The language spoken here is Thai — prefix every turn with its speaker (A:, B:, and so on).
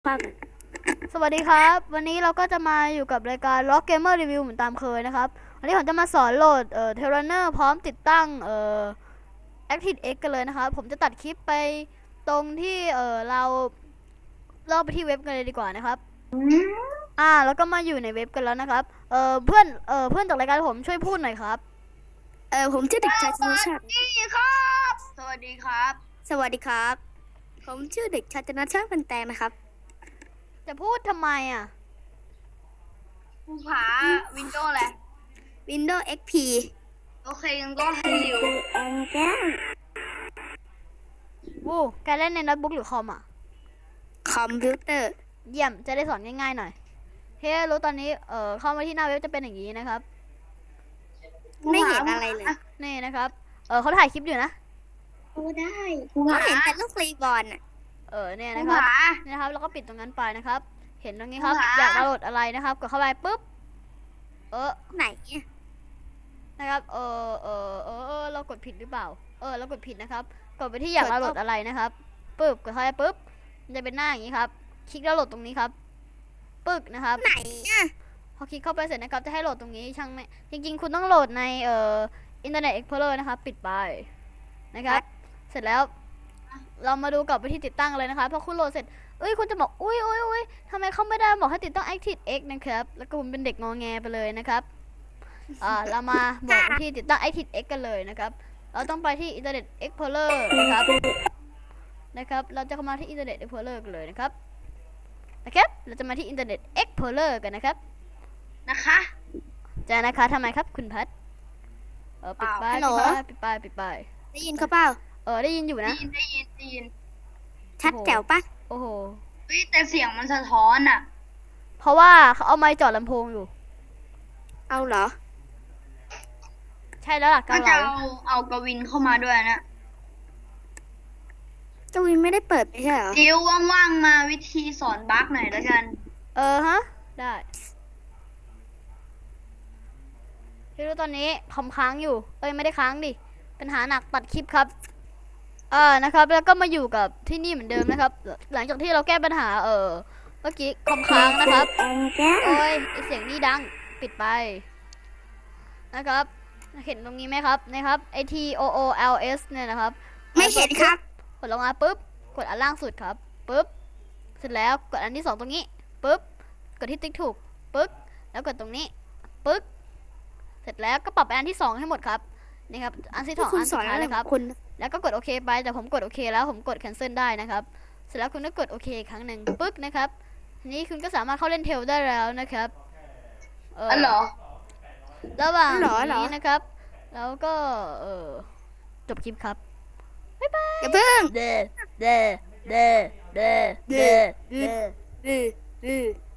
A: ฟัง
B: สวัสดีครับวันนี้เราก็จะมาอยู่กับรายการ Rock Gamer Review เหมือนตามเคยนะครับวันนี้ผมจะมาสอนโหลดTerraner พร้อมติดตั้งActiveX กันเลยนะครับผมจะตัดคลิปไปตรงที่เราไปที่เว็บกันเลยดีกว่านะครับแล้วก็มาอยู่ในเว็บกันแล้วนะครับเพื่อนเพื่อนจากรายการผมช่วยพูดหน่อยครับ
A: ผมชื่อเด็กชายชนชาติ
C: ครับสวัสดีครับ
A: สวัสดีครับ ผมชื่อเด็กชายชนชาติพันแตงนะครับ
B: จะพูดทำไมอ่ะ
C: ภูผาวินโดว์แหละ
A: Windows XP
C: โอเคยังก็ให้อยู่
B: วู้แกเล่นในโน้ตบุ๊กหรือคอมอ่ะ
A: คอมพิวเตอร์
B: เยี่ยมจะได้สอนง่ายๆหน่อยเฮ้รู้ตอนนี้เข้ามาที่หน้าเว็บจะเป็นอย่างนี้นะครับ
A: ไม่เห็นอะไรเลย
B: นี่นะครับเขาถ่ายคลิปอยู่นะ
A: โอ้ได้เขาเห็นแต่ลูกรีบอล
B: เนี่ยนะครับนี่นะครับแล้วก็ปิดตรงนั้นไปนะครับเห็นตรงนี้ครับอยากดาวน์โหลดอะไรนะครับกดเข้าไปปุ๊บ
A: ไหน
B: นะครับเรากดผิดหรือเปล่าเรากดผิดนะครับกดไปที่อยากดาวน์โหลดอะไรนะครับปึ๊บกดเข้าไปปุ๊บมันจะเป็นหน้าอย่างนี้ครับคลิกดาวน์โหลดตรงนี้ครับปึ๊กนะครับ
A: ไหน
B: พอคลิกเข้าไปเสร็จนะครับจะให้โหลดตรงนี้ช่างไม่จริงๆคุณต้องโหลดในInternet Explorer นะครับปิดไปนะครับเสร็จแล้วเรามาดูกับวิธีติดตั้งเลยนะคะพอคุณโหลดเสร็จคุณจะบอกอุ้ยทำไมเขาไม่ได้บอกให้ติดตั้ง ActiveX นะครับแล้วก็ผมเป็นเด็กงอแงไปเลยนะครับเรามาบอกวิธีติดตั้ง ActiveX กันเลยนะครับเราต้องไปที่ Internet Explorer นะครับเราจะเข้ามาที่ Internet Explorer กันเลยนะครับเราจะมาที่ Internet Explorer กันนะครับจะนะคะทำไมครับคุณพัทปิดไป
A: ได้ยินเขาเปล่า
B: ได้ยินอยู่นะ
C: ได้ยิน
A: ชัดแจ๋วปะ
B: โอ้โห
C: แต่เสียงมันสะท้อนอ่ะ
B: เพราะว่าเขาเอาไมค์จ่อลำโพงอยู่
A: เอาเหรอ
B: ใช่แล้วล่ะ
C: ก็จะเอากวินเข้ามาด้วยนะ
A: กวินไม่ได้เปิดไม่ใช่เหรอ
C: ดิวว่างๆมาวิธีสอนบั๊กหน่อยแล้วกัน
B: ฮะได้ที่รู้ตอนนี้คอมค้างอยู่ไม่ได้ค้างดิปัญหาหนักตัดคลิปครับนะครับแล้วก็มาอยู่กับที่นี่เหมือนเดิมนะครับหลังจากที่เราแก้ปัญหาเมื่อกี้คอมค้างนะครับเสียงนี่ดังปิดไปนะครับเห็นตรงนี้ไหมครับนะครับ TOOLS เนี่ยนะครับ
A: ไม่เห็นครับ
B: กดลงมาปุ๊บกดอันล่างสุดครับปุ๊บเสร็จแล้วกดอันที่2ตรงนี้ปุ๊บกดที่ติ๊กถูกปึ๊กแล้วกดตรงนี้ปึ๊กเสร็จแล้วก็ปรับไปอันที่2ให้หมดครับนี่ครับอันที่2อันสุดท้ายเลยครับแล้วก็กดโอเคไปแต่ผมกดโอเคแล้วผมกด cancel ได้นะครับเสร็จแล้วคุณก็กดโอเคครั้งหนึ่งปึ๊กนะครับทีนี้คุณก็สามารถเข้าเล่นเทลได้แล้วนะครับ
C: เหรอ
B: ระหว่างนี้นะครับแล้วก็จบคลิปครับบ๊ายบาย
A: อย่าเพิ่ง
B: เด้